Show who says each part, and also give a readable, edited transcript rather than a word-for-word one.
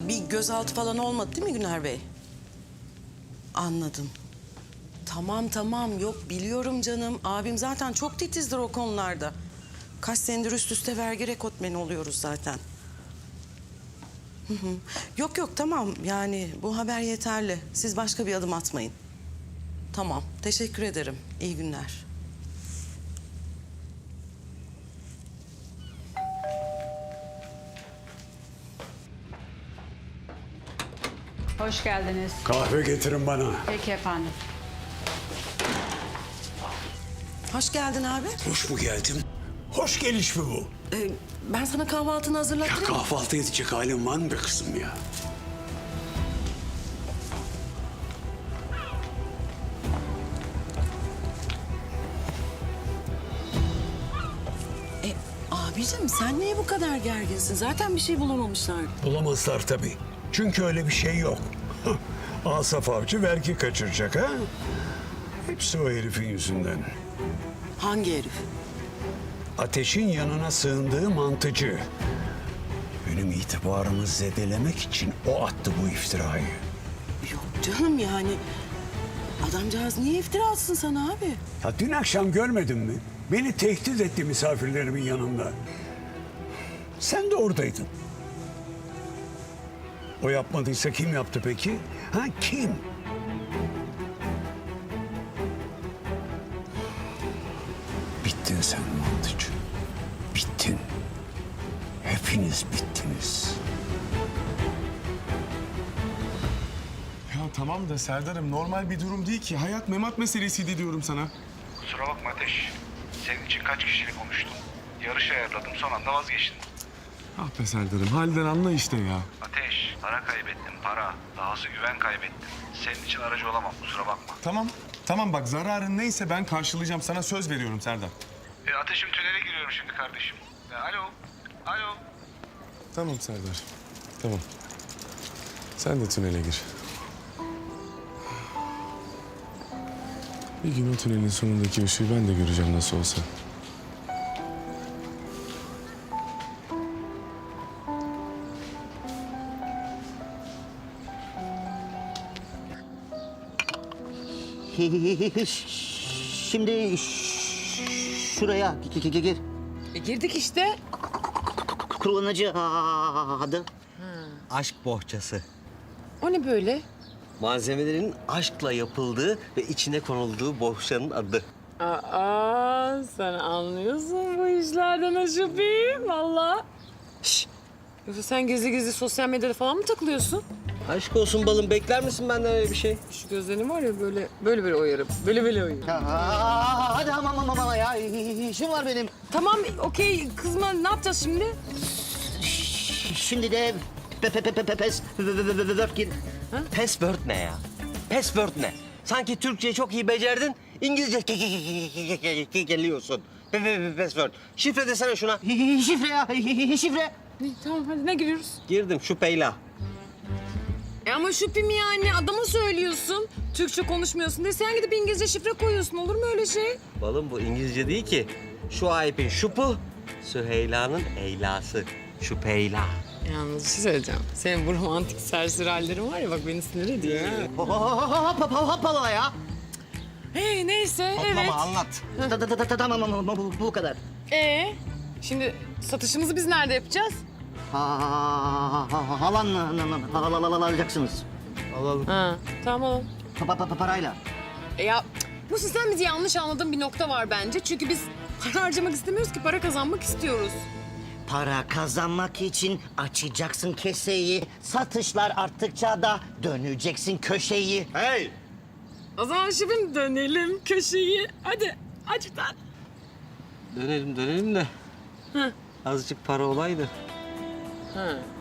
Speaker 1: Bir gözaltı falan olmadı değil mi Güner Bey? Anladım. Tamam yok biliyorum canım. Abim zaten çok titizdir o konularda. Kaç senedir üst üste vergi rekortmeni oluyoruz zaten. Yok tamam yani bu haber yeterli. Siz başka bir adım atmayın. Tamam teşekkür ederim. İyi günler.
Speaker 2: Hoş geldiniz.
Speaker 3: Kahve getirin bana.
Speaker 2: Peki efendim.
Speaker 1: Hoş geldin abi.
Speaker 3: Hoş mu geldim? Hoş geliş mi bu?
Speaker 1: Ben sana kahvaltını
Speaker 3: Ya
Speaker 1: hazırlattım.
Speaker 3: kahvaltı edecek halin var mı be kızım ya?
Speaker 1: Abicim sen niye bu kadar gerginsin? Zaten bir şey bulamamışlar.
Speaker 3: Bulamazlar tabii. Çünkü öyle bir şey yok. Asaf Avcı vergi kaçıracak ha? Hepsi o herifin yüzünden.
Speaker 1: Hangi herif?
Speaker 3: Ateşin yanına sığındığı mantıcı. Benim itibarımı zedelemek için o attı bu iftirayı.
Speaker 1: Yok canım yani. Adamcağız niye iftira atsın sana abi?
Speaker 3: Ya dün akşam görmedin mi? Beni tehdit etti misafirlerimin yanında. Sen de oradaydın. O yapmadıysa kim yaptı peki? Ha kim? Bittin sen mantıcı. Bittin. Hepiniz bittiniz.
Speaker 4: Ya tamam da Serdar'ım normal bir durum değil ki. Hayat memat meselesiydi diyorum sana.
Speaker 5: Kusura bakma Ateş. Senin için kaç kişiyle konuştum. Yarış ayarladım, son anda vazgeçtim.
Speaker 4: Ah be Serdar'ım halden anla işte ya.
Speaker 5: Ateş, para kaybettim, para. Dahası güven kaybettim. Senin için aracı olamam, kusura bakma.
Speaker 4: Tamam bak zararın neyse ben karşılayacağım. Sana söz veriyorum Serdar.
Speaker 5: Ateşim tünele giriyorum şimdi kardeşim. Alo.
Speaker 4: Tamam Serdar. Tamam. Sen de tünele gir. Bir gün o tünelin sonundaki ışığı ben de göreceğim nasıl olsa.
Speaker 6: Şimdi şuraya gir.
Speaker 7: Girdik işte.
Speaker 6: Kullanıcı adı. Aşk bohçası.
Speaker 7: O ne böyle?
Speaker 6: Malzemelerin aşkla yapıldığı ve içine konulduğu bohçanın adı.
Speaker 7: Aa, sen anlıyorsun bu işlerden Aşıp'im valla. Yoksa sen gizli gizli sosyal medyada falan mı takılıyorsun?
Speaker 6: Aşk olsun balım, bekler misin benden öyle bir şey?
Speaker 7: Şu gözlerim var ya böyle oyarım. Böyle oyarım.
Speaker 6: Hadi ama ya, işim var benim.
Speaker 7: Tamam okey kızma ne yapacağız şimdi?
Speaker 6: Şimdi de password gir. Password ne ya? Password ne? Sanki Türkçe çok iyi becerdin, İngilizce geliyorsun. Password. Şifre desene şuna. Şifre ya, şifre.
Speaker 7: Tamam hadi ne giriyoruz?
Speaker 6: Girdim şüpheyle.
Speaker 7: Ama Şüpim yani adama söylüyorsun. Türkçe konuşmuyorsun diye sen gidip İngilizce şifre koyuyorsun olur mu öyle şey?
Speaker 6: Balım bu İngilizce değil ki. Şu ayıpın şupu, Süheyla'nın eylası. Şüpheyla.
Speaker 7: Yalnız bir şey söyleyeceğim. Senin bu romantik serseri hallerin var ya bak beni sinir ediyor.
Speaker 6: Hoppala ya.
Speaker 7: Hey neyse evet.
Speaker 6: Anlat. Tamam ama bu kadar.
Speaker 7: Şimdi satışımızı biz nerede yapacağız?
Speaker 6: Halanla alacaksınız.
Speaker 7: Ha, tamam.
Speaker 6: Parayla.
Speaker 7: Ya Musi sen bizi yanlış anladığın bir nokta var bence. Çünkü biz para harcamak istemiyoruz ki para kazanmak istiyoruz.
Speaker 6: Para kazanmak için açacaksın keseyi. Satışlar arttıkça da döneceksin köşeyi.
Speaker 4: Hey!
Speaker 7: O zaman şefim dönelim köşeyi. Hadi aç bir tane.
Speaker 6: Dönelim de.
Speaker 7: Hı.
Speaker 6: Azıcık para olaydı.
Speaker 7: Ha.